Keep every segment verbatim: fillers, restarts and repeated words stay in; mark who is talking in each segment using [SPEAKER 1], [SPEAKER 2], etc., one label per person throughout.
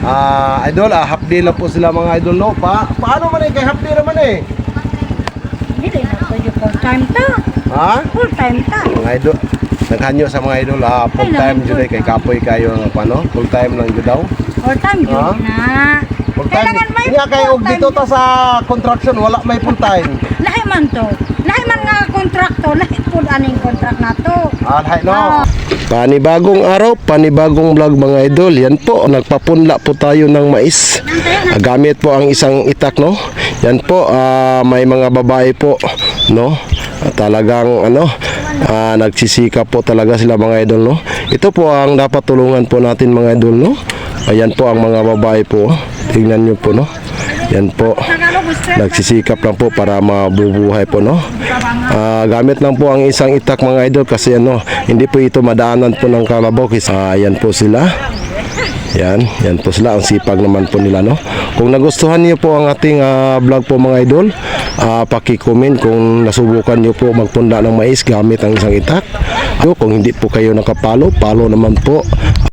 [SPEAKER 1] Ah, idol, ah, half day lang po sila mga idol, no? Pa paano man eh, kay half day naman eh?
[SPEAKER 2] Hindi na pwede full time ta.
[SPEAKER 1] Ha?
[SPEAKER 2] Full time ta.
[SPEAKER 1] Mga idol, naghanyo sa mga idol, ah, full time
[SPEAKER 2] Kailangan
[SPEAKER 1] jud ay kay kapoy kayo ng ano, full time lang jud daw.
[SPEAKER 2] Full time yun
[SPEAKER 1] Ah?
[SPEAKER 2] na.
[SPEAKER 1] Full time.
[SPEAKER 2] Kailangan may
[SPEAKER 1] Nga kay og
[SPEAKER 2] full time.
[SPEAKER 1] dito ta sa construction wala may full time.
[SPEAKER 2] Lahi man to. Lahi man nga kontrakto. Lahi po aning kontrak na to.
[SPEAKER 1] Ah, hay no.
[SPEAKER 2] Ah.
[SPEAKER 1] Panibagong araw, panibagong vlog mga idol. Yan po, nagpapunla po tayo ng mais. Ah, gamit po ang isang itak, no. Yan po, ah, may mga babae po, no. Ah, talagang ano, ah, nagsisikap po talaga sila mga idol, no. Ito po ang dapat tulungan po natin mga idol, no. Ayan po ang mga babae po. Tingnan niyo po, no. Yan po, nagsisikap lang po para mabubuhay po, no. Ah, gamit lang po ang isang itak mga idol kasi ano, hindi po ito madaanan po ng kalabaw kasi ah, yan po sila. Yan, yan po sila, ang sipag naman po nila, no. Kung nagustuhan niyo po ang ating ah, vlog po mga idol, ah, paki-comment kung nasubukan niyo po magpunda ng mais gamit ang isang itak. So, kung hindi po kayo nakapalo, palo naman po.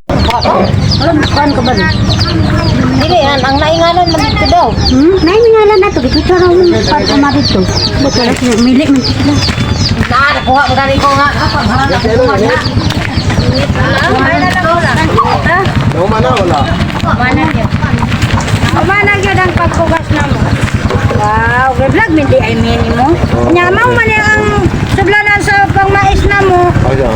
[SPEAKER 2] Alam, saan ka ba rin?
[SPEAKER 3] Dili yan, ang naingalan man dito daw.
[SPEAKER 2] Hmm? Naingalan na to. Dito siya raw yung pag-ama dito. Ba't wala sila? Mili man sila.
[SPEAKER 3] Na, nakuha mo dali ko nga. Ako, ha, nakuha na. Kuha na lang wala.
[SPEAKER 1] Umana wala.
[SPEAKER 3] Kuha yun.
[SPEAKER 2] Umanag yun ang pagkugas na mo. Wow, vlog hindi ay mini mo. Nyamaw man yung ang sublanan sa pangmais na mo.
[SPEAKER 1] Okay.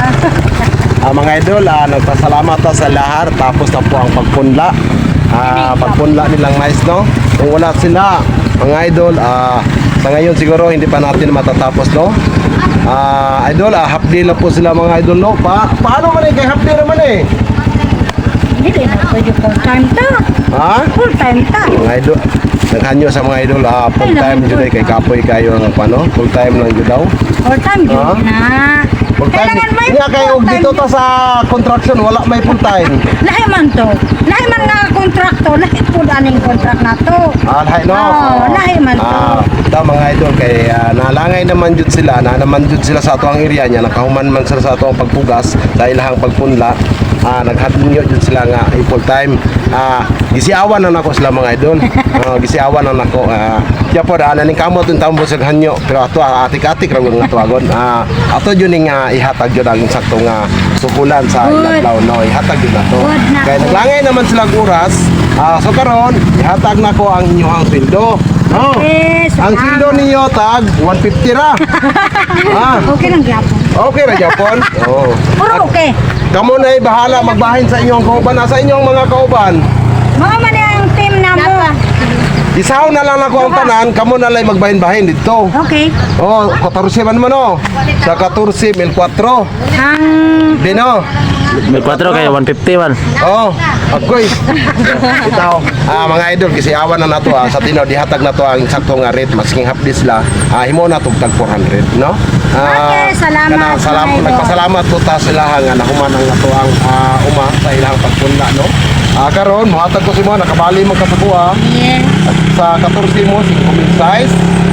[SPEAKER 1] Ah, mga idol, ah, nagpasalamat ta sa lahar tapos na po ang pagpunla. Ah, pagpunla nilang mais, no. Kung wala sila, mga idol, ah, sa ngayon siguro hindi pa natin matatapos, no. Ah, idol, ah, half day lang po sila mga idol, no. Pa paano man eh, kay half day naman eh?
[SPEAKER 2] Hindi na pwede full time ta.
[SPEAKER 1] Ha?
[SPEAKER 2] Full time ta.
[SPEAKER 1] Mga idol, naghanyo sa mga idol, ah, full time jud ay kay kapoy kayo ng ano, full time lang jud daw.
[SPEAKER 2] Full time yun
[SPEAKER 1] Ah?
[SPEAKER 2] na.
[SPEAKER 1] Full time.
[SPEAKER 2] Kailangan may
[SPEAKER 1] Nga kay og
[SPEAKER 2] full time
[SPEAKER 1] dito
[SPEAKER 2] yun.
[SPEAKER 1] ta sa construction wala may full time.
[SPEAKER 2] Lahi man to. Lahi man nga kontrakto. Lahi po aning kontrak na to.
[SPEAKER 1] Ah, lahi no.
[SPEAKER 2] Oh, lahi man to.
[SPEAKER 1] Ah, ito mga idol kay ah, nalangay naman jud sila, na naman jud sila sa ato ang area niya, nakahuman man sila sa ato ang pagpugas dahil lahang pagpunla. Ah, naghatnyo jud sila nga eh, full time. Ah, gisiawan na nako sila mga idol. Ah, gisiawan na nako. Ah, kaya po daan ning kamot yung tambo sa hanyo, pero ato ah, atik-atik ra nga tuwagon. Ah, ato jud ning ah, ihatag jud ang sakto nga sukulan sa
[SPEAKER 2] Good.
[SPEAKER 1] iladlaw no, ihatag jud nato.
[SPEAKER 2] Good na.
[SPEAKER 1] Kaya naglangay naman sila oras. Ah, so karon ihatag nako ang inyong sweldo. Oh.
[SPEAKER 2] Yes,
[SPEAKER 1] Ang
[SPEAKER 2] salamat.
[SPEAKER 1] sweldo ninyo tag one fifty ra. Ah,
[SPEAKER 2] Okay lang gyapon.
[SPEAKER 1] okay ra Japon. Oh.
[SPEAKER 2] Puro okay.
[SPEAKER 1] Kamo na ay bahala magbahin sa inyong kauban. Nasa inyong mga kauban.
[SPEAKER 2] Mga man ang team na mo.
[SPEAKER 1] Isaw na lang ako ang tanan. Kamo na lang magbahin-bahin dito.
[SPEAKER 2] Okay.
[SPEAKER 1] Oh, fourteen man mo no. Sa fourteen mil four.
[SPEAKER 2] Ang
[SPEAKER 1] Dino.
[SPEAKER 4] May kwatro kayo, one fifty man.
[SPEAKER 1] Oh, agoy. Itaw. Ah, mga idol kasi awan na nato ah. Sa tinaw dihatag na to ang sakto nga rate masking half this la. Ah, himo na to tag four hundred, no?
[SPEAKER 2] Okay, salamat,
[SPEAKER 1] Kana, salam,
[SPEAKER 2] mga idol.
[SPEAKER 1] nagpasalamat po ta sila nga nahuman ang nato ang ah, uma sa ilang pagpunla, no? Ah, karon mohatag ko si mo nakabali man ka sa buha.
[SPEAKER 2] yes.
[SPEAKER 1] Sa fourteen mo five mil size.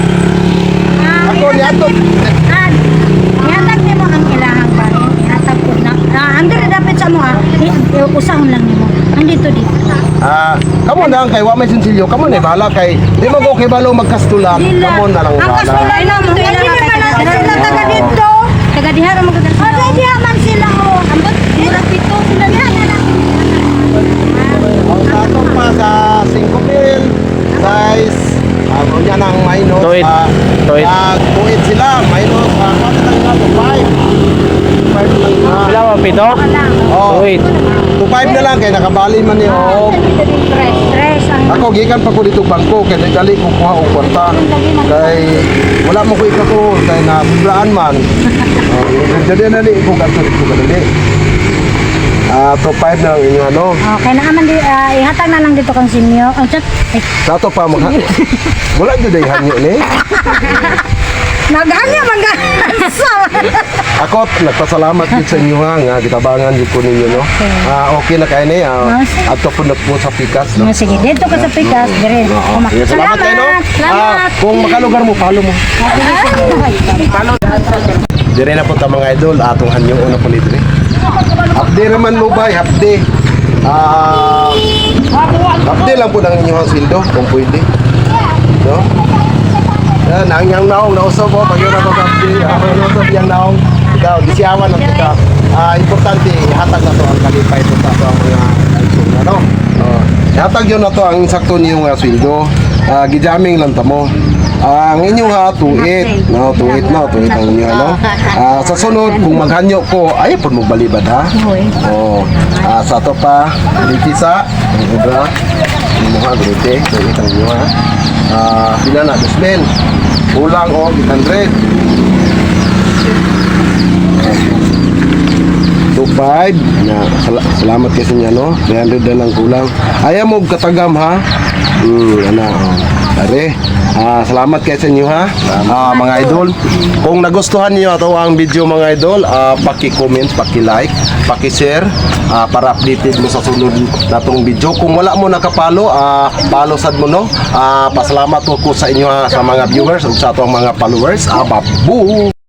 [SPEAKER 1] Ako ni ato.
[SPEAKER 2] Ah, ihatag niyo mo ang ilahang bahin. Ihatag ko na. Ah, ando na dapat sa mo ah. I- Usahon lang niyo mo. Andito dito.
[SPEAKER 1] Ah, kamo na ang kay wa may sinsilyo, kamo na bahala kay di mo ko kay balo magkastulan.
[SPEAKER 2] Dila.
[SPEAKER 1] Kamo na lang
[SPEAKER 2] Ang
[SPEAKER 1] bahala.
[SPEAKER 2] kasulay na mo. Hindi naman na sila taga dito. Taga diha ra magdala. Ah, diha man sila oh. Ambot mura dito sila diha na lang.
[SPEAKER 1] Ang sato pa sa five mil size. Ano niya ng minus.
[SPEAKER 4] Tuwid.
[SPEAKER 1] ah,
[SPEAKER 4] Tuwid.
[SPEAKER 1] ah, tuwid sila. Minus. Uh, ano lang nga to? five. five lang nga.
[SPEAKER 4] Wala mo, pito?
[SPEAKER 1] Oh,
[SPEAKER 4] Wait.
[SPEAKER 1] to five na lang kay nakabali man ni oh.
[SPEAKER 2] Stress, stress ang
[SPEAKER 1] Ako gikan pa ko dito bangko kay dali ko kuha og kwarta. Kay wala mo ko ikato kay na sobraan man. Oh, jadi na ni ko gato dito kadali. Ah, to five na lang inyo ano.
[SPEAKER 2] Okay na man di ah, ihatag na lang dito kang sinyo. Ang chat. Ay,
[SPEAKER 1] Sato pa mag wala jud ay hanyo ni.
[SPEAKER 2] naghanya man ga.
[SPEAKER 1] Ako nagpasalamat gid sa inyo ha nga gitabangan jud ko ninyo no. Ah, okay na kay ni. Ah, ato po na po sa pikas no.
[SPEAKER 2] Ah, sige, dito ka sa pikas, dire.
[SPEAKER 1] Oo. Sige, salamat kayo no. Ah,
[SPEAKER 2] Salamat.
[SPEAKER 1] kung makalugar mo follow mo. Dire na po ta mga idol atong hanyong una po ni dire. Update naman mo ba? Update. Ah, Update lang po ng inyong sweldo kung pwede. No? Yan, ang yang naong nausap po, pag yun ako update, ako nausap yang naong, ikaw, gisiyawan ng kita. Ah, importante, hatag na to ang kalipay ito sa ang mga isong ano. Oh, hatag yun na to ang sakto niyong uh, sweldo. Ah, gijaming lang tamo. Ah, ang inyong ha, tuit, no, tuit no, tuit ang inyo, ano. Ah, sa sunod, kung maghanyo ko, ay, pun mo balibad ha. Oh, ah, sa to pa, litisa, ang ubra, yung mga grute, tuit ang inyo ha. Ah, pila na, dosben, kulang o, eight hundred. two five na sal- salamat kasi niya no three hundred na lang kulang ayaw mo katagam ha hmm ano are ah salamat kay sa inyo ha ah, mga idol kung nagustuhan niyo ato ang video mga idol ah, paki-comment paki-like paki-share ah, para updated mo sa sunod natong video kung wala mo nakapalo ah, follow sad mo no ah, pasalamat ko sa inyo ha, sa mga viewers ug sa atong mga followers ah, babu